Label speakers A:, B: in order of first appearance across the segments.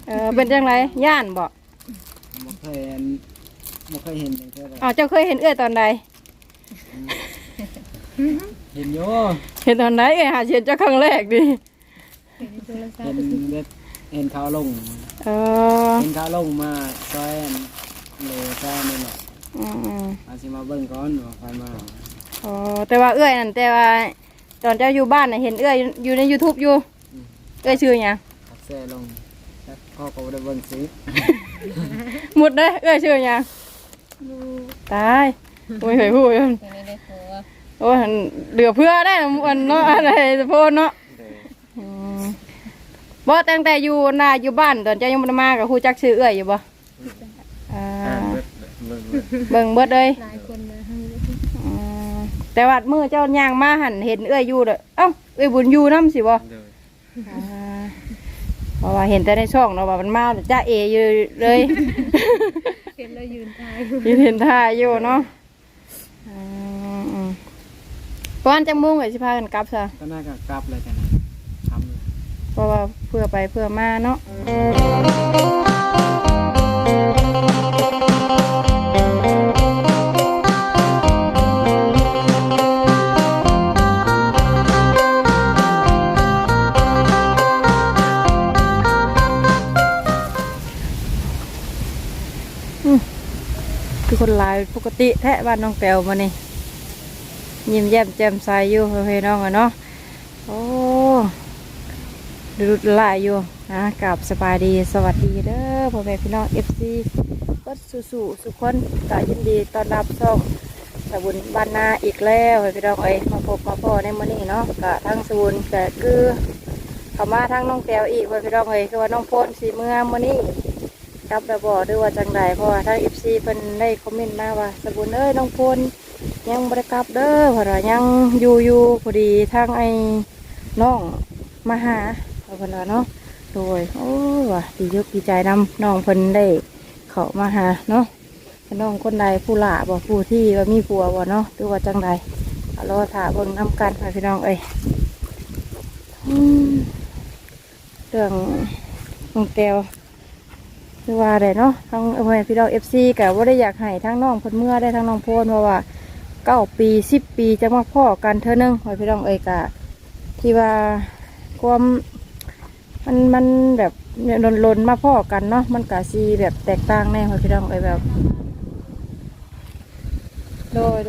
A: เป็นจังไรย่านบ่
B: บ่เคยเห็นอย่างเท่าไหร่
A: อ๋อเจ้าเคยเห็นเอื้อยตอนใด
B: เห็นอยู่
A: เห็นตอนไหนหาเห็นเจ้าครั้งแรกดิ
B: เห็นเขาลงเห็นเขาลงมาซอยเลยซอยนี่แหละอาสิมาเบิ่งก่อนว่าใครมา
A: อ๋อแต่ว่าเอื้อยนั่นแต่ว่าตอนเจ้าอยู่บ้านน่ะเห็นเอื้อยอยู่ใน YouTube อยู่เอื้อยชื่อหยัง
B: แซ่ลงพ่อก็ได้เบิ่งสิ
A: หมดเด้อเอื้อยชื่อหยังตายโอ้ยเฮ้ยพูดโอ้ยเหลือเพื่อได้มันเนาะอะไรจะพูดเนาะบ่ตั้งแต่อยู่บ้านตอนเจ้ายังบ่ได้มากับครูจักชื่อเอื้อยอยู่บ่เบิ่งเบิดเลยหลายคนนะแต่ว่ามื้อเจ้าย่างมาหันเห็นเอื้อยอยู่เด้อเอ้าเอื้อยบุญอยู่นำสิบ่เพราะว่าเห็นแต่ในช่องเนาะว่ามันมาจ้าเออยู่เลยเห็นแล้วยืนถ่ายอยู่เนาะก่อนจังมุ่งไว้สิพากันกลับซะ
B: ก็น่าจะกลับเลยกันทำ
A: เพราะว่าเพื่อไปเพื่อมาเนาะคือคนหลายปกติแท้บ้านน้องแต้วมานี่ยิ้มแย้มแจ่มใสอยู่เพื่อนน้องอะเนาะโอ้ดูหลายอยู่นะกับสบายดีสวัสดีเด้อพ่อแม่พี่น้อง FC ก็สู้สุขคนก็ยินดีต้อนรับช่องสบุญบ้านนาอีกแล้วพี่น้องมาพบมาพ่อในมื้อนี้เนาะก็ทั้งสบุญก็คือเข้ามาทั้งน้องแต้วอีกพี่น้องคือว่าน้องโพนสีเมื่อมื้อนี้กลับระบอกด้วยว่าจังใดเพราะว่าทาง FC เพิ่นได้คอมเมนต์มาว่าสบุญน้องโพนยังบ่ได้กลับเด้อเพราะว่ายังอยู่พอดีทางน้องมาหาเพิ่นว่าเนาะโดยโอ้ว่ะดีใจนำน้องเพิ่นได้เข้ามาหาเนาะน้องคนใดผู้หล่าบ่ผู้ที่ว่ามีผัวบ่เนาะหรือว่าจังใดรอถ่าเบิ่งนำกันพี่น้องเรื่องน้องแก้วคือว่าได้เนาะทั้งพี่น้อง FC ก็บ่ได้อยากให้ทั้งน้องเพิ่นเมื่อได้ทั้งน้องโพนเพราะว่า9 ปี10 ปีจะมาพ่อกันเท่านึงพี่น้องกะที่ว่าความมันแบบลนมาพ่อกันเนาะมันกะซีแบบแตกต่างแน่พี่น้องแบบโดย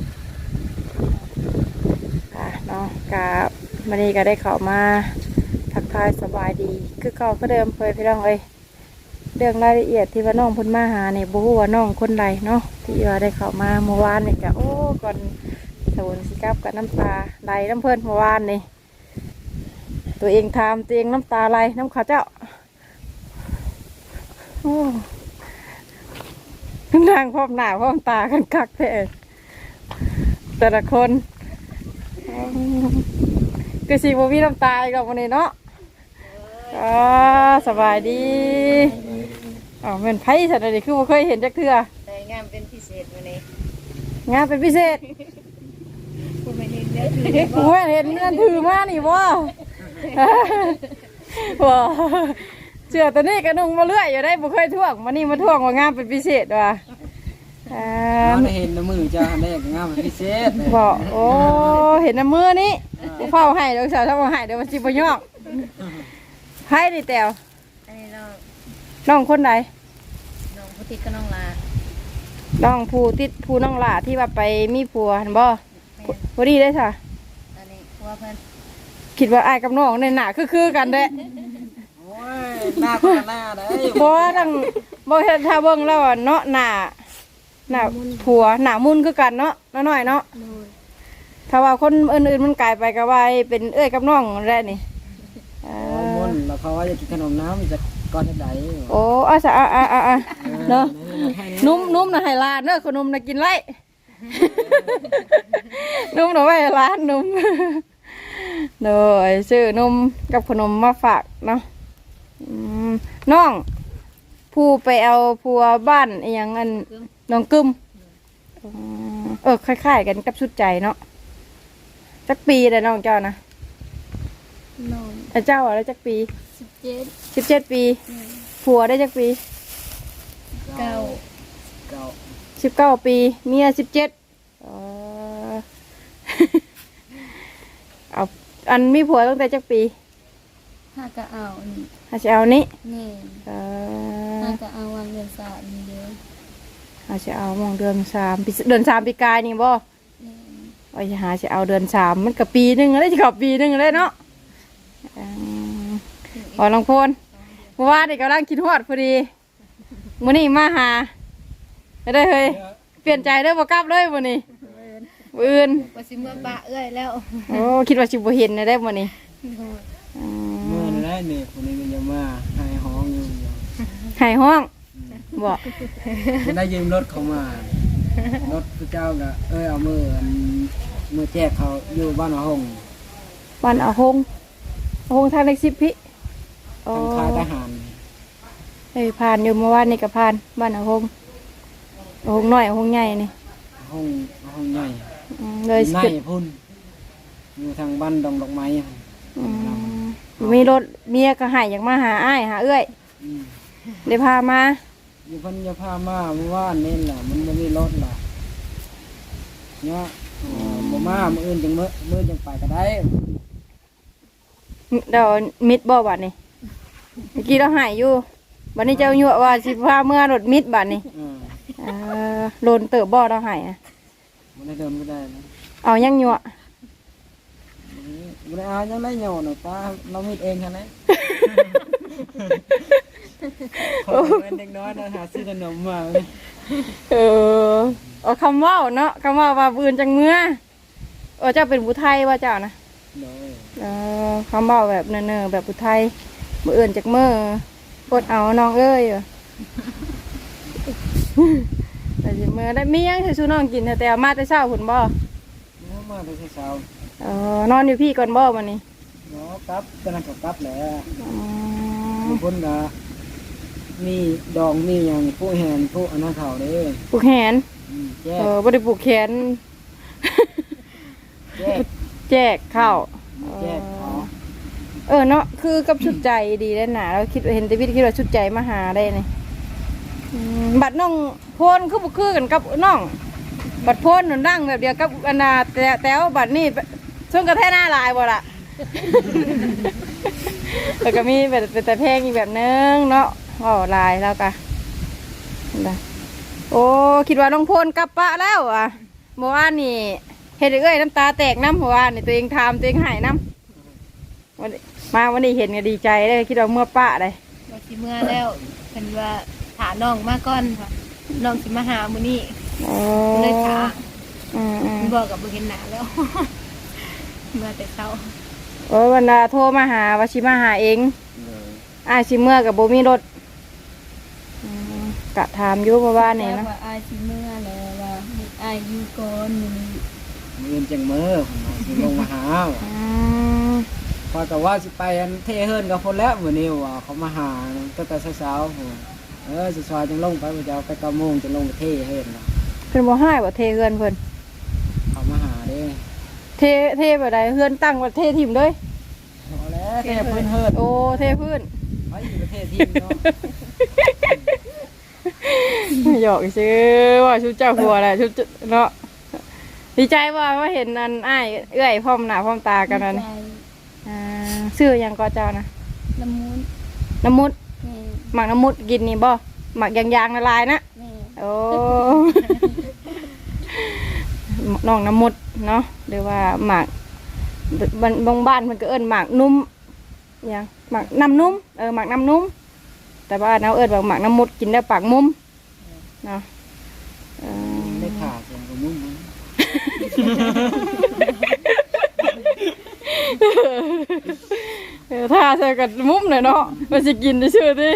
A: เนาะกะวันนี้ก็ได้เข้ามาทักทายสบายดีคือเก่าก็เดิมพี่น้องเรื่องรายละเอียดที่ว่าน้องพ้นมาหาเนี่ยบ่ฮู้ว่าน้องคนใดเนาะที่ว่าได้เข้ามาเมื่อวานเนี่ยกะโอ้ก่อนสวนสิกับกับน้ำตาไหลน้ำเพิ่นเมื่อวานนี่ตัวเองทำตัวเองน้ำตาไหลน้ำข้าเจ้าโอ้นางพร้อมหน้าพร้อมตากันคักแท้แต่ละคนคือสีบ่มีน้ำตาอีกแล้ววันนี้เนาะสบายดีเป็นไผ่สัตว์อะไรคือไม่เคยเห็นจักเทื่องานเป็นพิเศษวันนี้งานเป็นพิเศษผมไม่เห็นเนื้อถือมานี่บ่เชื่อตัวนี้กระนุ่งมาเรื่อยอยู่ได้บ่เคยท่วงมานี่มาท่วงว่างานเป็นพิเศษว่ะ
B: เห็นน้ำมือจ้าได้งานเป็นพิเศษ
A: บอกโอ้เห็นน้ำมือนี่เฝ้าให้เดี๋ยวสาวทำให้เดี๋ยวมันจิบยอกให้ดิแต๋วน้องคนไหน
C: น้องผู้ติดก็น้องลา
A: น้องผู้ติดผู้น้องลาที่ว่าไปมีผัวเห็นบ่พอดีได้ค่ะ
C: อันนี้ผัวเพิ่น
A: คิดว่าไอ้กับน้องในหน้าคือกันเด้
B: โอ้ยหน้าคนหน้าได้
A: บ่ทั้งบ่เห็นถ้าเบิ่งแล้วเนาะหน้าผัวหน้ามุนคือกันเนาะน้อยๆเนาะถ้าว่าคนอื่นๆมันกลายไปก็ว่าเป็นเอ้ยกับน้องแล้นี่
B: มุนแล้วเขาว่าจะกินขนมน้ำจะก้อนใด
A: โอ้เนาะนุ่มนะให้ลานเนาะขนมนะกินไรนุ่มนะไว้ร้านนุ่มโดยซื้อนุ่มกับขนมมาฝากเนาะน้องผู้ไปเอาผัวบ้านอย่างอันน้องกึมคล้ายๆกันกับชุดใจเนาะจักปีแต่น้องเจ้านะ
C: น้อง
A: เจ้าอะไรจักปี
C: 17
A: ปีผัวได้จักปี
C: เก้า
B: เก้า
A: 19 ปีเมีย17เอาอันมีผัวตั้งแต่จักปี
C: ถ้าก็เอานี่
A: หาสิเอานี้
C: นี่
A: เอ
C: ถ้า
A: อ
C: ก็เอาวันเดือนสามนี่เด้อ
A: หาสิเอามองเดือน3ปีเดือน3ปีกายนี่บ่
C: นี่
A: ว่าจะหาสิเอาเดือน3มันก็ปีหนึงแล้วสิเข้าปีหนึงแล้วเนาะอ๋อน้องพลเพราะว่านี่กำลังคิดฮอดพอดีมื้อนี้มาหาได้เฮ้ยเปลี่ยนใจเด้อบ่กลับเลยมื้อนี้มื้ออื่น
C: ว่าสิเมื่อปะเอ้ยแล้ว
A: โอ้คิดว่าสิบ่เห็นได้มื้อนี้
B: เมื่อนั่นแหละนี่คนนี้ก็จะมาให้ห้องอยู่
A: หายห้องบ่
B: จะได้ยืมรถเขามารถพระเจ้าก็เอามือแจกเขาอยู่บ้านหง
A: บ้านอาหงทางเล็ก10พี่โอ้
B: ทางค่ายทหาร
A: เฮ้ยผ่านอยู่เมื่อวานนี่ก็ผ่านบ้านอาหงน้อยอาหงใหญ่นี่
B: ห้องใหญ่
A: เลย
B: ใน
A: ขึ้น
B: พุ่นอยู่ทางบ้านดอกไม้
A: มีรถเมียก็ใหายอยากมาหาอ้ายหาเอื้อยได้พามา
B: อยู่เพิ่นจะพามาเมื่อวานนี่แหละมันบ่มีรถล่ะเนี่ยบ่มามื้ออื่นจังมื้อจังไปก็ได้
A: เดี๋ยวมิดบ่บัดนี่เมื่อกี้เราใหายอยู่บัดนี้เจ้ายั่วว่าสิพาเมื่อรถมิดบัดนี่โลนเติบบ่เราใหาย
B: บ่ได้เดินบ่ได้นะ
A: เอายังยั่ว
B: บ่ได้เอายังได้เหยาน่ะป้าเรามีเองคั่นแหละคนเป็นเด็กน้อยนะหาซื้อขนมมา
A: เอาคำว่าเนาะคำว่าบืนจังเมื่อเจ้าเป็นผู้ไทยว่าเจ้านะ
B: โดย
A: คำว่าแบบเนอแบบผู้ไทยมืออื่นจากเมื่อกดเอาน้องเอ้ยแต่สิเมื่อได้มียังให้สู้น้องกินแต่มาแต่เช้าหุ่นบ่
B: มาแต่เช้าน
A: อนอยู่พี่ก่อนบ่วันนี้
B: เนาะกลับตอนนั้นก็กลับแหละบางคนก็มีดองมีหยังผู้แหนผู้อันนั้นเขาเด้
A: ปลูกแขน
B: แยก
A: บ่ได้ปลูกแขน
B: แยก
A: แจกข้าว
B: แยกเขา
A: เนาะคือกับชุดใจดีได้หนาเราคิดเห็นแต่วิทย์คิดว่าชุดใจมาหาได้นี่บัดน้องโพนคือบุคือกันกับน้องบัดโพนหนุนดังแบบเดียวกับอันนาแต่ว่าบัดนี่ช่วงกระแทกหน้าลายบ่ล่ะ แล้วก็มีแบบเป็นแต่เพลงอีกแบบนึงเนาะลายแล้วก็โอ้คิดว่าน้องโพนกลับปะแล้วอ่ะเมื่อวานนี่เห็นเอ้ยน้ำตาแตกน้ำเมื่อวานนี่ตัวเองทำตัวเองหายน้ำวันนี้เห็นก็ดีใจเลยคิดว่าเมื่อปะเลย
C: ว่าสิเมื่อแล้วเพิ่นว่าถาน้องมาก่อนค่ะน้องสิมาหามื้อนี้เลยถาบอกกับบ่เห็นหน้าแล้ว เมื่อแต่เช้า
A: วันน่ะโทรมาหาวชิมาหาเองชิเมื่อกับโบมีรถกะถามอยู่เพราะว่าเนี่ยนะ
C: ว่าอายสิเมื่อแล้วว่าอายอยู่ก่อนมื้อนี้
B: เงินจังมือสิลงมาหาพอแต่ว่าสิไปอันเทเฮิรนกับคนแล้วมื้อนี้ว่าเขามาหาตั้งแต่เช้าๆสิซอยจังลงไปว่าจะเอาไป9 โมงจะลงไปเทเฮิรน
A: เพิ่นบ่ให้ว่าเทเฮือนเพิ่น
B: เขามาหาเด้
A: เทแบบใดเฮือนตั้งว่าเทถิ่มเลย
B: พอแล้วเทพื้นเฮิรน
A: โอ้เทพื้น
B: ไปอยู่ประเทศที่เนาะ
A: หยอกซื้อว่าชุดเจ้าหัวแหละชุดเนาะดีใจว่าเห็นอันอ้ายเอื้อยพร้อมหน้าพร้อมตากันนั่นชื่อยังก็เจ้านะ
C: ละมุน
A: น้ำมุด
C: แม่
A: หมักน้ำมุดกินนี่บ่หมักยางละลายนะ
C: แม่
A: โอ้ น้องน้ำมุดเนาะหรือว่าหมักบางบ้านมันก็เอิ้นหมักนุ่มยังหมักน้ำนุ่มหมักน้ำนุ่มแต่ว่าน้าเอิ้นว่าหมักน้ำมุดกินได้ปากมุมเนาะ
B: ได้ขาเสียงกับมุ้ง
A: ถ้าใส่กับมุมหน่อยเนาะมันจะกินได้ชื่อดิ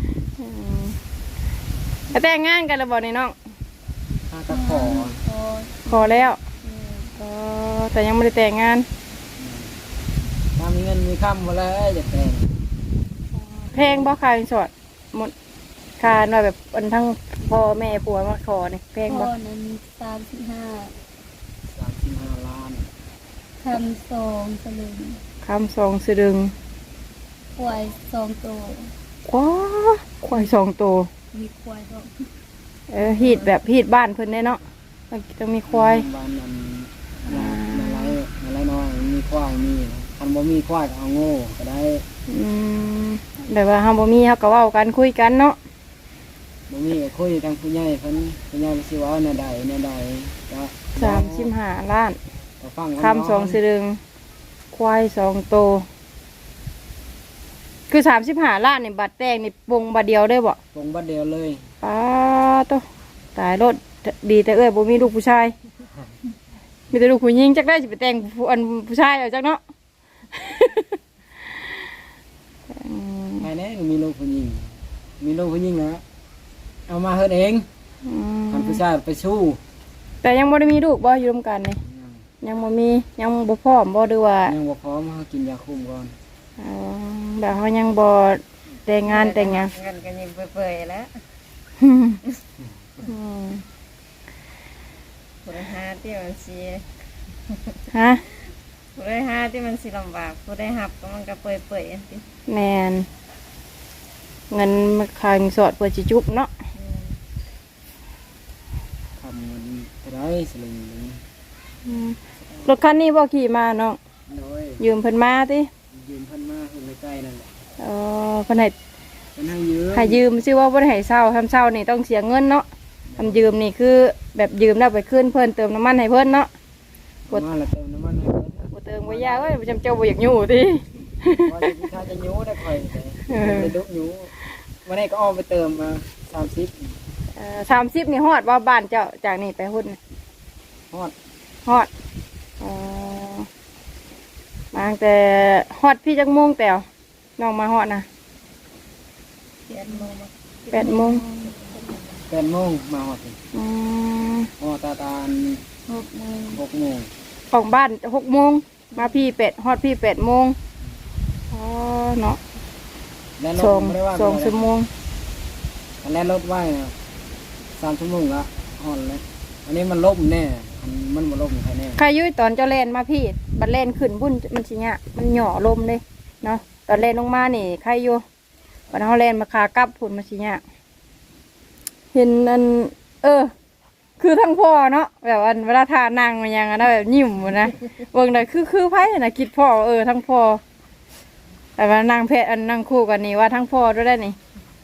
A: แต่งงานกันแล้วบอกนี่น้อง
B: ตะขอ
A: ขอแล้วแต่ยังไม่ได้แต่งงาน
B: ถ้ามีเงินมีค่ำมาแล้วจะแต่ง
A: เพลงบ่คายสดหมดคาหน่อยแบบอันทั้งพ่อแม่ผัวมาขอนี่เพลง
C: พ่
A: บ่
C: อนั้น
B: 35 ล้าน
C: 35คำ2สลึง
A: คำสองสะดึง
C: ป่วย2โต
A: ว้าควาย2ตัว
C: มีควายก็
A: ฮีดแบบฮีดบ้านเพิ่นได้เนาะต้องมีควาย
B: บ้านนั้นอะไรน้อยมีควายมีคันบ่มีควายก็เอาโง่ก็ได้
A: แบบว่าเฮาบ่มีเฮาก็เว้ากันคุยกันเนาะ
B: บ่มีก็คุยทางผู้ใหญ่เพิ่นผู้ใหญ่สิว่าแนวใดก็
A: 35 ล้าน
B: ก็ฟัง
A: คำ2สลึงควาย2ตัวคือ35 ล้านนี่บัตรแต่งนี่ปงบัตรเดียวได้บ่
B: ตรงบัดเดียวเลย
A: ป้าโตตายรถดีแต่บ่มีลูกผู้ชายมีแต่ลูกผู้หญิงจักได้สิไปแต่งผู้ชายเอาจักเนาะ
B: ภายในมีลูกผู้หญิงนะเอามาเฮ็ดเองคันผู้ชายไปสู้
A: แต่ยังบ่ได้มีลูกบ่อยู่ร่วมกันนี่ยังบ่มียังบ่พร้อมบ่หรือว่า
B: ยังบ่พร้อมเฮากินยาคุมก่อน
A: แบบเขายังบ่แต่งงานแต่งหยัง
C: เงินกันยังเปื่อยๆแล้วผู้ได้หาที่มันสิ
A: ฮะ
C: ผู้ได้หาที่มันสิลำบากผู้ได้หับก็มันก็เปื่อยๆสิ
A: แมนเงินมาคางสอดเพื่อจิจุบเนาะ
B: ทำเงินเท่าไรสลึงหนึ่ง
A: รถคันนี้บ่ขี่มาเนาะ
B: โดย
A: ยืมเพิ่นมาติ
B: ยืมเพิ่นมาเพิ่นใกล้ๆนั่นแหละ
A: เพิ่นให้
B: เพิ่นให้ยืม
A: ให้ยืมชื่อว่าบ่ได้ให้เช่าทำเช่านี่ต้องเสียเงินเนาะทำยืมนี่คือแบบยืมแล้วไปคืนเพิ่นเติมน้ำมันให้เพิ่นเนาะ
B: มาแล้วเติมน้ำมันให้เพิ่น
A: บ่เติมบ่ยากเอ้ยจำเจ้าบ่อยากอยู่ติ
B: ว่าจะถ้าจะยูได้ค่อยไปดุยูวันนี้ก็อ้อมไปเติมมา30
A: 30นี่ฮอดบ่บ้านเจ้าจากนี่ไปหุ่น
B: ฮอด
A: ฮอดมาตั้งแต่ฮอดพี่จักโมงแต่วน้องมาฮอดนะ
C: 8 โมง
A: 8 โมง
B: 8 โมงมาฮอด
A: อืม
B: ฮอดตาล
C: 6 โมง
B: 6 โมง
A: ของบ้าน6 โมงมาพี่8ฮอดพี่8 โมงเนาะ
B: แล้วร
A: สอ
B: ถ
A: ง
B: ไม่ได้ว่า
A: สองชั่วโมง
B: แล้วรถไว้นะ3 ชั่วโมงละฮอดแล้วอันนี้มันล่มแน่มันบ่ล่มใครแน่
A: ใครอยุ่ยตอนเจ้าเล่นมาพี่บัดเล่นขึ้นบุ่นมันสิเนี่ยมันหย่อลมเลยเนาะตอนเล่นลงมานี่ใครอยู่บัดเขาเล่นมาขากลับพุ่นมันสิเนี่ยเห็นอันคือทั้งพ่อเนาะแบบว่าเวลาทานั่งมันยังนะแบบยิ้มนะเบิ่งได้คือไผน่ะคิดพ่อทั้งพ่อแต่ว่านั่งเพศอันนั่งคู่กันนี่ว่าทั้งพ่อด้วยได้นี่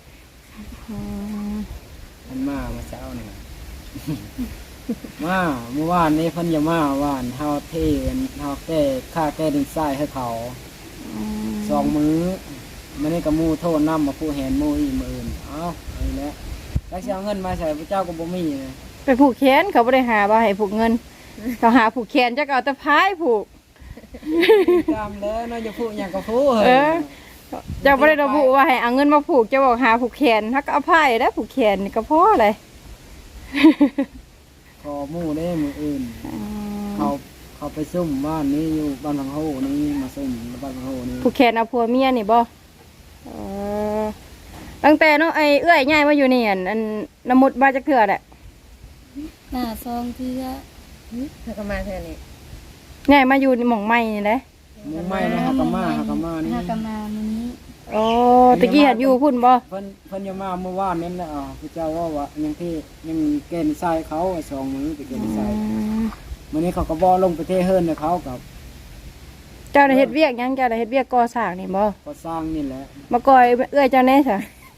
B: มันมาเช้านี่ มาเมื่อวานนี้เพิ่นอย่ามาว่านเฮาเทเฮาแก้ค่าแก้ดินทรายให้เขา2 มื้อมื้อนี้ก็หมู่โทษนำมาผู้แหนหมู่อีกมื้ออื่นเอ้าไอ้แล้วแล้วสิเอาเงินมาใส่พระเจ้าก็บ่มีเลย
A: ไปผูกแขนเขาไม่ได้หาบ่าให้ผูกเงิน เขาหาผูกแขนจะเอาแต่พายผูก
B: จำแล้วเนาะอย่าพูดหยังก็พูด
A: เจ้าไม่ได้ระบุว่าให้เอาเงินมาผูกเจ้าบอกหาผูกแขนถ้าก็เอาพายได้ผูกแขนนี่ก็พอเลย
B: ขอหมู่ได้มื้ออื่นเขาไปซุ่มบ้านนี้อยู่บ้านพังโหนี่มาซุ่มบ้านพังโหนี่
A: ผูกแขนเอาผัวเมียนี่บ่ตั้งแต่เนาะไอ้เอื้อยง่ายมาอยู่นี่อันน้ำมุดมาจากเถื่อแหละ
C: หน้าซองเทื่อเธอก็มาเทื่อนี่
A: ง่ายมาอยู่ในหม่องไม้นี่แหละ
B: หมู่ใหม่นะฮักกะมานี่
C: หากะมามื้อนี้
A: โอ้ตะกี้หันอยู่พุ่นบ่
B: เพิ่นอย่ามาเมื่อวานนี้แหละพระเจ้าว่ายังที่ยังเกณฑ์ทรายเขา2 มื้อไปเกณฑ์ทรายมื้อนี้เขาก็บ่ลงไปเทเฮิรนให้เขากับ
A: เจ้าได้เฮ็ดเวียกหยังเจ้าได้เฮ็ดเวียกก่อสร้างนี่บ่
B: ก็สร้างนี่แหละ
A: มาก่อยเอื้อยเจ้าแน่ซะ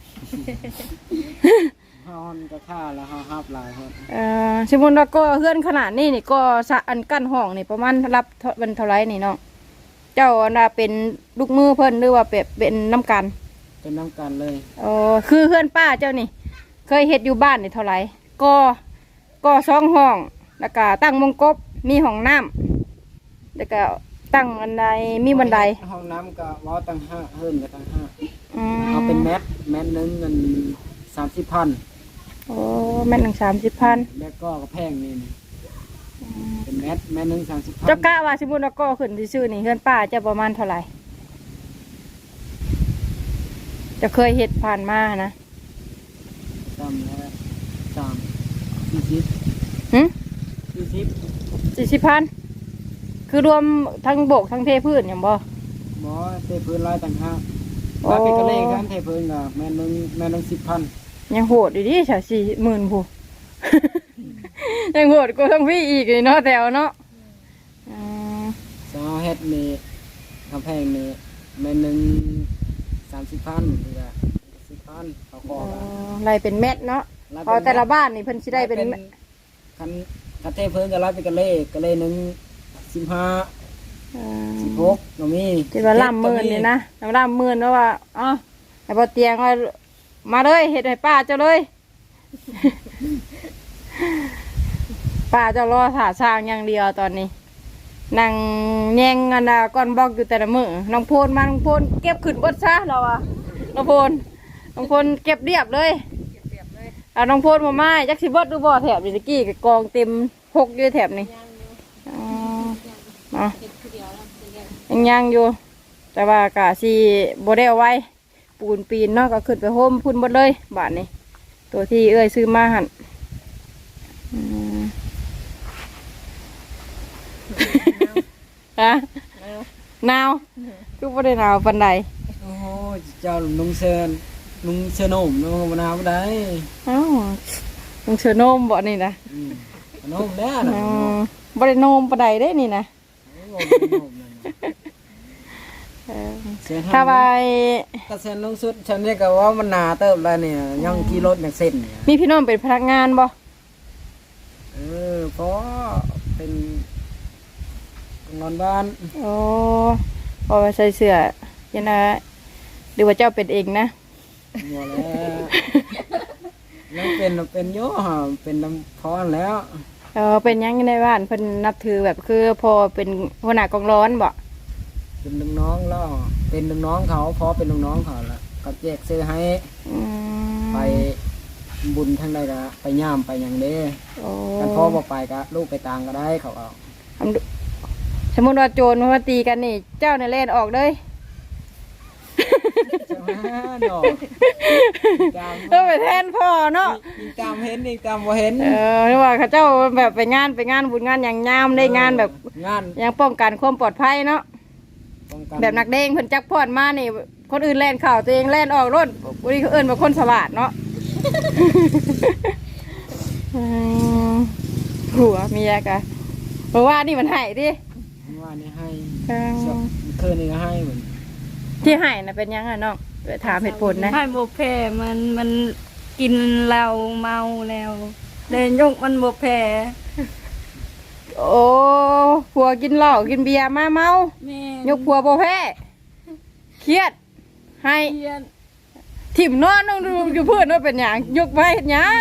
B: เฮาอนก็ค่าแล้วเฮาฮับหลายเพิ่น
A: สมมุติว่าก็เฮือนขนาดนี้นี่ก็สะอันกั้นห้องนี่ประมาณรับวันเท่าไรนี่เนาะเจ้าน่ะเป็นลูกมือเพิ่นหรือว่าเป็นน้ำกัน
B: เป็นน้ำกันเลย
A: คือเฮือนป้าเจ้านี่ เคยเฮ็ดอยู่บ้านนี่เท่าไรก็2 ห้องแล้วก็ตั้งมงกบมีห้องน้ำแล้วก็ตั้งบันไดมีบันได
B: ห้องน้ำก็เว้าตั้ง5เฮิรนก็ตั้ง5
A: อืม
B: เอาเป็นแมทนึงเงิน30,000
A: โอ้แม่น1 30,000
B: แล้วก็แพงนี่เป็นแมทนึง30,000
A: เจ้ากะว่าสมมุติว่าก็ขึ้นซื่อๆนี่เฮือนป้าเจะประมาณเท่าไหร่จะเคยเฮ็ดผ่านมานะ
B: จำแล้ว40
A: หึ
B: 40
A: 40,000คือรวมทั้งโบกทั้งเทพื้นอย่างบ่
B: หมอเทพื้นลายต่างหาก
A: โ
B: รับไปกระเลกันเทเพิ่นก็แม่นึง10,000
A: ยังโหดอยู่ดิฉะ40,000ผู้ ยังโหดกว่าทั้งพี่อีกเลยเนาะแถวเนาะอืม
B: สาวเฮ็ดนี่กำแพงนี่แม่นึง30,000นี่ก็10,000เขาขอกัน
A: ไล่เป็นเม็ดเนาะพอแต่ละบ้านนี่เพิ่นสิได้เป็น
B: คันเทเพิ่นก็รับไปกระเลนึง15 16ก็มี
A: ที่ว่าล่ำหมื่นนี่นะล่ำหมื่นแล้วว่าอ๋อไอ้บ่เตียงว่ามาเลยเฮ็ดให้ป้าเจ้าเลย ป้าเจ้ารอถ่าสร้างอย่างเดียวตอนนี้นั่งแย่งกันนะก้อนบล็อกอยู่แต่ละมือน้องโพนมาน้องโพนเก็บขึ้นบดซะเราอะน้องโพนเก็บเรียบเลยเอาน้องโพนมาไม้จักสิบดดูบ่แถบนี่ตะกี้กับกองเต็มพกอยู่แถบนี้ยังอยู่ แต่ว่ากะสีโบได้เอาไว้ปูนปีนเนาะก็ขึ้นไปโฮมพุ่นหมดเลยบาทนี้ตัวที่เอ้ยซื้อมาหั่นฮะหนาวคือบ่ได้หนาวปานใด
B: โอ้โหเจ้าลุงเชิญโนมลุงมะนาวบ่ได้
A: เอ้าลุงเสือโนมบ่นี่นะ
B: โนมแน่น่ะ
A: บ่ได้โนมปานใดได้นี่นะถ้าไป
B: กระเซ็นลงสุดฉันเรียกว่ามันหนาเติบแล้วเนี่ยยังขี่รถอย่างเส้นเนี่ย
A: มีพี่น้องเป็นพนักงานบ่
B: เพราะเป็นนอนบ้าน
A: โอ้พอใส่เสื้อยันนะหรือว่าเจ้าเป็นเองนะ
B: หมดแล้วเป็นโย่เป็นลำพอนแล้ว
A: เป็นยังในบ้านเพิ่นนับถือแบบคือพอเป็นหัวหน้ากองร้อนบ่
B: เป็นลูกน้องแล้วเป็นลูกน้องเขาพอเป็นลูกน้องเขาแล้วก็แจกซื้อให้ไปบุญทั้งใดก็ไปย่ามไปอย่างเด้กันพ่อบอกไปก็ลูกไปต่างก็ได้เขาเอา
A: สมมติว่าโจรมาตีกันนี่เจ้าเนี่ยเล่นออกเลย
B: ใช่ไหมดอก
A: ก็ไปแทนพ่อเนาะ
B: ยิงตามเห็นยิงตามบ่เห็น
A: หรือว่าเขาเจ้าแบบไปงานบุญงานอย่างงามได้งานแบบ
B: งาน
A: ยังป้องกันความปลอดภัยเนาะ
B: ป้องกัน
A: แบบนักเด้งเพิ่นจักพอดมานี่คนอื่นแล่นเข่าตัวเองแล่นออกรถวันนี้เขาเอิ้นว่าคนสวัสดเนาะ หัวเมียกะเพราะว่านี่มันให้ดิ
B: ว่านี่ให้คืนนี้ก็ให้เหมือน
A: ที่ให้น่ะเป็นยังไงน้องไปถามเหตุผลนะ
D: ให้โบแพ้มันกินเหล้าเมาแล้วเดินยกมันโบแพ้
A: โอ้ผัวกินเหล้ากินเบียร์มาเมา
D: แม่
A: ยกผัวโบแพ้เครียดให้
D: เรียน
A: ถิ่มนอนต้องดูอยู่เพื่อนว่าเป็นอย่างยกไปเห็นยัง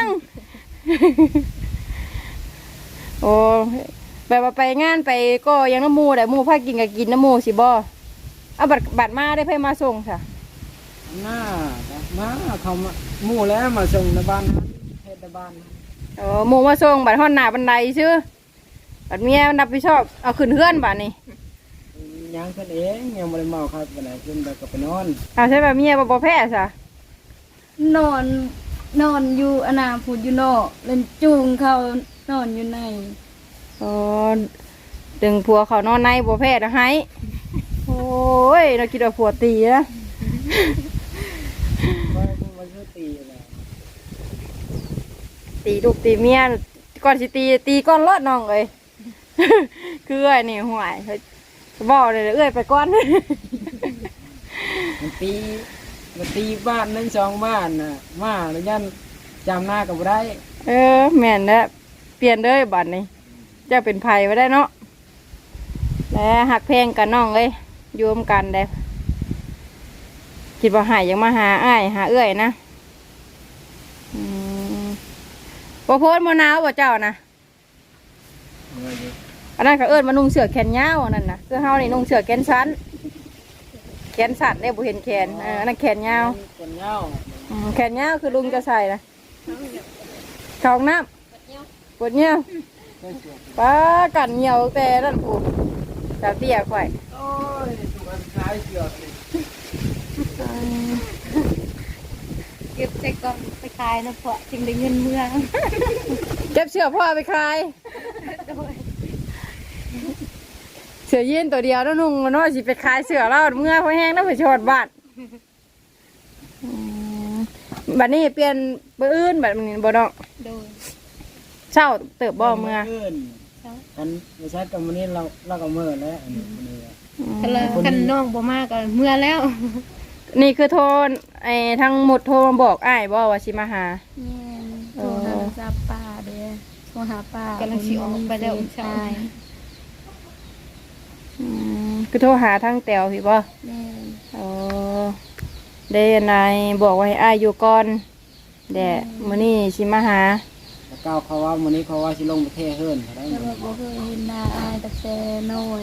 A: โอ้แบบว่าไปงานไปก็ยังน้ำมูแต่มูพากินกับกินน้ำมูสิบ่เอาบัตรมาได้ไผมาส่งค่ะ
B: หน้ามาเขามาหมู่แล้วมาส่งในบ้านนะเฮ็ดในบ้านนะ
A: โอ้มูมาส่งบัตรห้อนหน้าบันไดชื่อบัตรเมียนับผิดชอบเอาขึ้นเฮือนบัตรนี่
B: ยังขึ้นเองยังบ่ได้เมาครับไปไหนขึ้นไปก็ไปนอน
A: เอาใช่ป่ะเมียบ่แพ้ซะ
D: นอนอยู่อนาพูดอยู่นอกเล่นจูงเขานอนอยู่ใน
A: โอ้ดึงผัวเขานอนในบ่แพ้นะให้โอ้ยเราคิดว่าผัวตีนะ
B: มันคือตีแหละ
A: ตีลูกตีเมียก่อนสิตีก้อนรอดน้องเลย คือไอ้นี่ห่วยเฮ้ยบอกเลยเอ้ยไปก้อน
B: มันตีบ้านนึง2บ้านน่ะมาแล้วยันจำหน้าก็บ่ได้
A: แม่นแล้วเปลี่ยนเลยบัดนี้เจะเป็นไผ่ไว้ได้เนาะแล้วหักเพลงกันน้องเลยโยมกันได้คิดว่าหายยังมาหาอ้ายหาเอื้อยนะบ่โพสต์มะนาวบ่เจ้านะอันนั้นก็เอิ้นมานุ่งเสื้อแขนยาวอันนั้นนะคือเฮานี่นุ่งเสื้อแขนสั้นแขนสั้นได้บ่เห็นแขนอันนั้นแขนยาว
B: คนเหย้า
A: แขนยาวคือลุงจะใส่นะเข้าห้องน้ำปวดเงี้ยวป้ากันเหี่ยวแต่นั่นผูกสาวเตี้ยข่อย
B: โอ้ยตัวคล้ายเสือกนี่
C: เก็บใส่กล่องไปขายนะเพาะจึงได้เงินเมือง
A: เก็บเสื้อพ่อไปขายเสื้อยีนตัวเดียวแล้วนุ่งมันว่าสิไปขายเสื้อเราเมื่อพอแห้งแล้วไปชดบ้านบัดนี้เปลี่ยนเบอร์อื่นบัดนี้บ่น้อง
C: โดย
A: เช้าเติบบ่เมื่อ
B: กันไม่ใช่กับวันนี้เราก็เมื่อแล้วอันนี้วันนี้
C: กันละกันน้องบ่มากก็เมื่อแล้ว
A: นี่คือโทรไอ้ทั้งหมดโทรมาบอกอ้ายบ่ว่าสิมาหา
D: แม่นโทรหาจับป้าเด้อโทรหาป้าก
C: ำลังสิออกไปแล้ว
D: ใช่
A: คือโทรหาทั้งแตวพี่บ่
D: แม่น
A: โอ้ได้นายบอกว่าให้อ้ายอยู่ก่อนแดะมื้อนี้สิมาหา
B: แล้วก้าวเขาว่าวันนี้เขาว่าสิลงประเทศเฮิร์นเขาได้
D: แต่ว่าบ่เคยเห็นหน้าอายตั้งแต่น้อย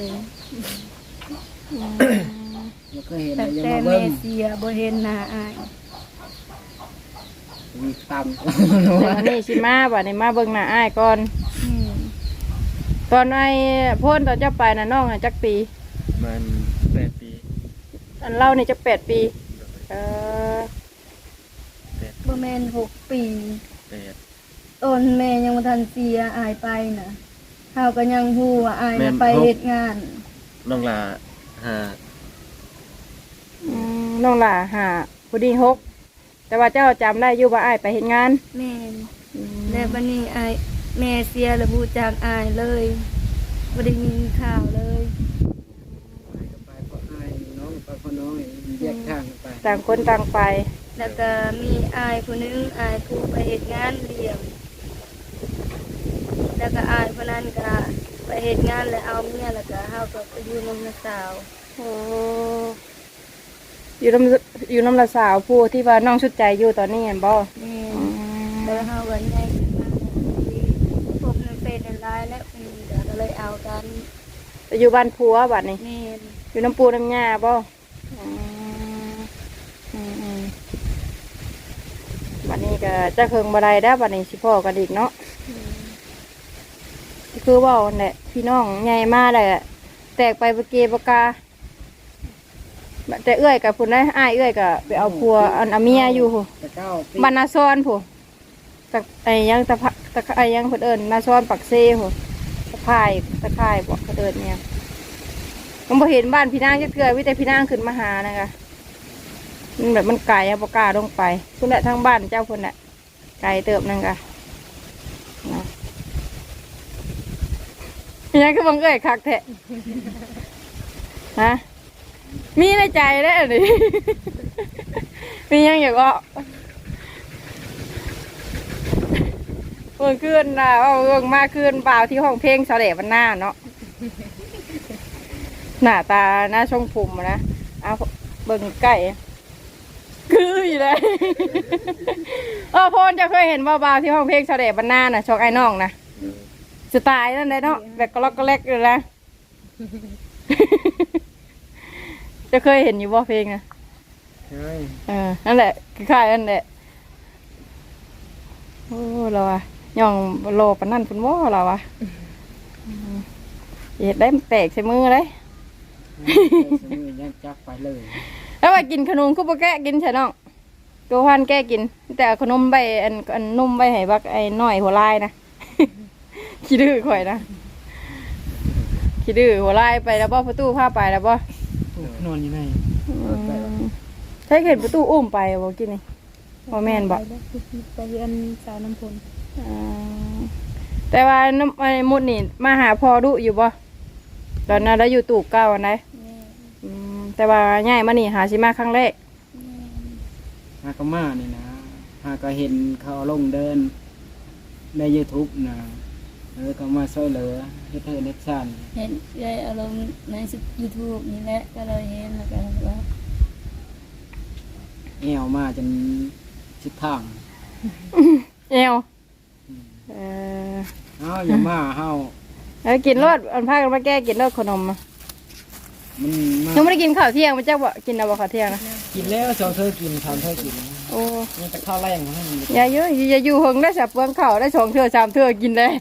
B: เราเคยเห็น
D: ตั้ง
B: ยัง
D: แต่
B: มา
D: แม่
B: เบิ้ง
D: เสียบ่เห็นหน้าอาย
B: มีตาม
A: แต่วันนี้สิมาบัดนี้มาเบิ่งหน้าอ้ายก่อน
D: อืม
A: ตอนไอ้พ่นตอนเจ้าไปน่ะน้องน่ะจักปี
E: มัน8 ปี
A: อันเล่านี่จะ8 ปีเออ
D: บ่แม่น6 ปี
E: 8
D: ตอนแม่ยังบ่ทันเสียอายไปน่ะเฮาก็ยังฮู้ว่าอาย
E: แม่
D: น่ะ
E: น
D: ไปเฮ็ดงาน
E: น้องลาหา
A: น้องหล่าหาผู้ดี6แต่ว่าเจ้าจำได้อยู่ว่าอ้ายไปเฮ็ดงาน
D: แม่นแล้วบัดนี้อายแม่เสียแล้วบ่รู้จักอายเลยบ่ได้ยินข่าวเลย
B: ไปเพราะอายน้องไปเพราะน้องแยกทางกันไป
A: ต่างคนต่างไป
D: แล้วก็มีอายผู้หนึงอายผู้ไปเฮ็ดงานเลี้ยงแล้วก็อายผู้นั้นก็ไปเฮ็ดงานแล้วเอาเมียแล้วก็เฮาก็ไปอยู่นำน้าสาว
A: โอ้อยู่น้ำละสาวผู้ที่ว่าน้องชุดใจอยู่ตอนนี้เห็นบ่
D: แม่นแล้วเฮาก็ใหญ่ขึ้นมาที่พบในเฟซในไลน์และเดี๋ยวก็เลยเอากัน
A: ไปอยู่บ้านผัวบัดนี้
D: แม่น
A: อยู่น้ำปูน้ำยาบ่บัดนี้ก็จะเคิงบ่ได้แล้วบัดนี้สิพ่อกันอีกเนาะคือว่าวันแหละพี่น้องใหญ่มากเลยอะแตกไปเบเกบกาแต่เอื้อยกับพุ่นได้อ้ายเอื้อยกับไปเอาผัวอันอาเมียอยู่พู้
B: แต่ก้าวปี
A: บ้านนาซอนผู้ตะไอ้ยังตะพะตะไอ้ยังเพิ่นเอิ้นนาซอนปักเซ่ผู้ตะไคร่บอกเพิ่นเอิ้นเนี่ยมันบ่เห็นบ้านพี่นางจักเทื่อมีแต่พี่นางขึ้นมาหานะคะมันแบบมันไกลอะบ่กล้าลงไปพุ่นแหละทางบ้านเจ้าพุ่นแหละไกลเติบนั่นก็นะยังคือบังเอ้ยคักแท้ฮะมีในใจได้อนี่ มียังอยากว่าเมื่อคืนนะว่าเรื่องมากคืนเปล่าที่ห้องเพลงเสด็จวันหน้าเนาะ หน้าตาหน้าช่องผมอะนะเอาเบิ่งใกล้คืออยู่เลย พนจะเคยเห็นบ่าวๆที่ห้องเพลงเสด็จวันหน้าน่ะช่องไอ้น้องนะสไตล์นั่นเลยเนาะแบบก็ล็อกก็เล็กเลยนะ จะเคยเห็นอยู่บ่เพลงนะ
B: เฮ้ย
A: นั่นแหละคล้ายๆนั่นแหละโอ้เราอะย่องโลปานนั่นเป็นว่าเราอะเห็ดได้มันแตกใส่มือเลย
B: สมือยังจักไปเลย
A: แล้วว่ากินขนมก็บ่แกะกินใช่น้องตัวพันแกะกิน แต่เอาขนมใบอันนุ่มใบให้บักไอ้น้อยหัวลายนะ ขี้ดื้อข่อยนะขี้ดื้อหัวลายไปแล้วบ่ประตูพาไปแล้วบ่
B: นอนอยู่ไหน
A: ใช้เห็นประตูอุ้มไปบ่กินนี่บ่แม่นบ่
D: ไปเรียนสาวน้ำพล
A: แต่ว่าน้ำไอ้มุดนี่มาหาพ่อดุอยู่บ่ตอนนั้นเราอยู่ตูบเก่าอันไหน
D: แม่
A: แต่ว่าง่ายมานี่หาสิมาครั้งแรก
B: ฮากามานี่นะฮาก็เห็นเขาลงเดินใน YouTube นะก็มาช่วยเหลือเฮ็ดเธอเล็กสั้น
D: เห็นยายอารมณ์ใน YouTube นี่แหละก็เลยเห็นแล้วก็ว่า
B: แอวมาจนชิดทาง
A: เอวเออ
B: เฮาอย่ามาเฮา
A: แล้วกินรสอันพากันมาแก้กินรสขนมอะ
B: มันมา
A: ยังไม่ได้กินข้าวเที่ยงมันจะบ่กินเอาบ่ข้าวเที่ยงนะ
B: กินแล้วสองเธอกินทำเธอกิน
A: โอ้
B: นี่จะข้าวแรงให้มัน
A: อย่าเยอะอย่าอยู่เฮงได้สับเปลืองข้าวได้2 เทื่อ 3 เทื่อกินได้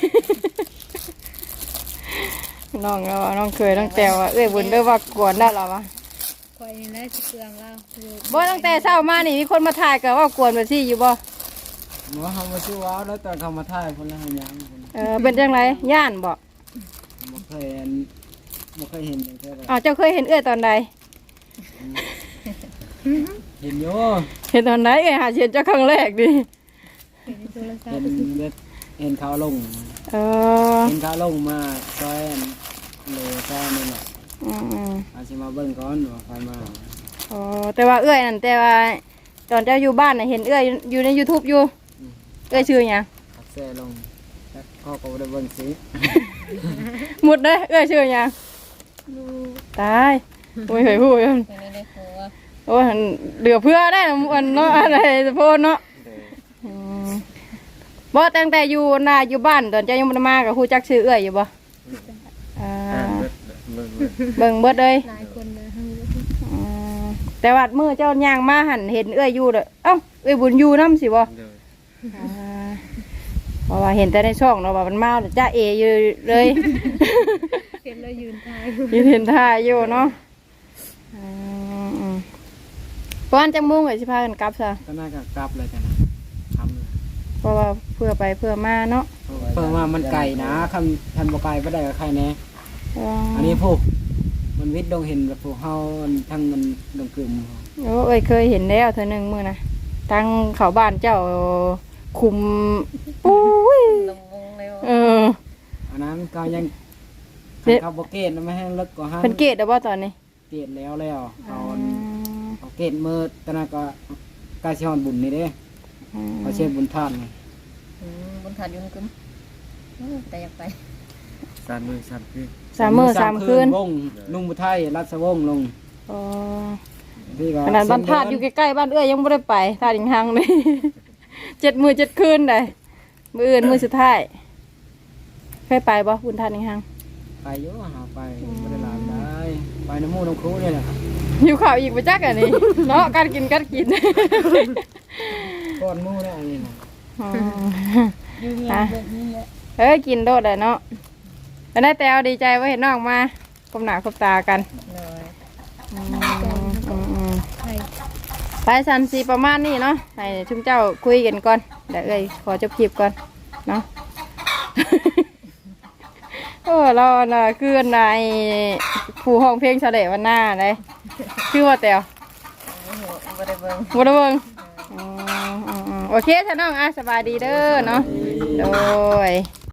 A: น้องเราน้องเคยน้องแต้วอะเอ้ยบุญเด้อว่ากวนได้หรอวะ
C: คอยนี่แหละสิเปลืองเราอยู่
A: บ่ตั้งแต่เช้ามานี่มีคนมาถ่ายก็ว่ากวนไปซี่อยู่บ่
B: หมอเฮามาชื่อว้าวแล้วตอนเขามาถ่ายคนละหยังคน
A: เป็นจังไรย่านบ่
B: บ่เคยเห็นอย่างเท่าไหร่
A: อ้าวเจ้าเคยเห็นเอ้ยตอนใด
B: เห็นอยู่
A: เห็นตอนไหนไงหาเชียนเจ้าครั้งแรกดิ
C: เห็นในโทรศัพ
B: เห็น
C: ท์
B: เห็นเขาลง
A: เออ
B: เห็นเขาลงมาซอยเลยซอยนี่แหละ
A: อืม
B: อาสิมาเบิ่งก่อนว่าใครมา
A: อ๋อแต่ว่าเอื้อยนั่นแต่ว่าตอนเจ้าอยู่บ้านน่ะเห็นเอื้อยอยู่ใน YouTube อยู่เอื้อยชื่อหยัง
B: ขับแซ่ลงแล้วเขาก็บ่ได้เบิ่งสิ
A: หมดเด้อเอื้อยชื่อหยังตายโอ้ยเฮ้ยฮู้อยู่
C: เห็นในหัว
A: โอ้ยเหลือเพื่อได้นะมันเนาะอะไรสะโพนเนาะ
E: โดย
A: อืมบ่ตั้งแต่อยู่น่ะอยู่บ้านตอนเจ้ายังบ่ได้มาก็ฮู้จักชื่อเอื้อยอยู่บ่อ่า
E: อ่านเบิดเบิด
A: เบิ่งเบิดเลย
C: หลายคนนะ
A: อืมแต่ว่ามื้อเจ้าย่างมาหันเห็นเอื้อยอยู่เด้อเอ้าเอื้อยบุญอยู่นำสิบ่
E: โดย
A: อ่าเพราะว่าเห็นแต่ในช่องเนาะว่ามันมาแล้วจ้าเออยู่เลย
C: เห็นแล้วยืนทาย
A: ยืนเห็นท่าอยู่เนาะเพราะวันจังมุ่งเลยสิพากันกลับซะ
B: ก็น่าจะกลับเลยกันนะทำเลย
A: เพราะว่าเพื่อไปเพื่อมาเนาะ
B: เพิ่มว่ามันไก่นะคันบ่ไก่บ่ได้กับใครแน่
A: อ๋อ
B: อันนี้พวกมันวิทย์ดงเห็นแบบพวกเฮาทั้งมันดงกึ่ม
A: โอ้ยเคยเห็นแล้วเธอหนึ่งมือนะตั้งเขาบ้านเจ้าคุมปุ้ย
C: ลงวงเลย
A: เออ
B: อันนั้นก็ยัง
A: เด็ด
B: เขาบ่เกตไม่ให้เลิกกว่าหัน
A: เป็นเกตเด้อบ่ตอนนี้
B: เกตแล้วเอาเกตมือตอนนั้นก็กาสิฮอนบุญนี่เด้เขาเชื่อบุญท่านนี่
C: บนถาดยุ่งกึมแต่อยากไป
E: 3 มื้อ3 คืน
A: 3 มื้อ 3 คืน
B: วงนุ่งบุไทยรัศวงศ์ลง
A: อ๋อ
B: ที่ก็
A: ขนาดบ้านธาตุอยู่ใกล้ๆบ้านเอื้อยยังไม่ได้ไปธาตุอีกทางเลย 7 มื้อ 7 คืนได้มื้ออื่นมื้อสุดท้ายเคยไปบ่บุญธาตุอีกทาง
B: ไปอยู่หาไปบ่ได้หลานได้ไปน้ำมูน้ำครูนี่แหละ
A: หิวข้าวอีกไปจักอันนี้ เนาะการกิน
B: ก้อนหมูแล้วอันนี้นะ
A: อ๋อ
D: อยู่เงียบแบบนี้แหละ
A: เอ้ยกินโดดเลยเนาะแล้วได้แต่เอาดีใจว่าเห็นน้องมาคบหน้าคบตากัน
C: เลย
A: อืม
C: ใช่
A: ไปสันสีประมาณนี้เนาะให้ชุมเจ้าคุยกันก่อนเดี๋ยวเอ้ยขอจบคลิปก่อนเนาะ โอ้เราน่ะคือในผู้ห้องเพลงเฉลยวันหน้าเลยชื่อว่าแต๋ว
C: บ่ได้เบิ่ง
A: บัวเบิงโอเคท่านน้องอ่ะสบายดีเด้อเนาะโดย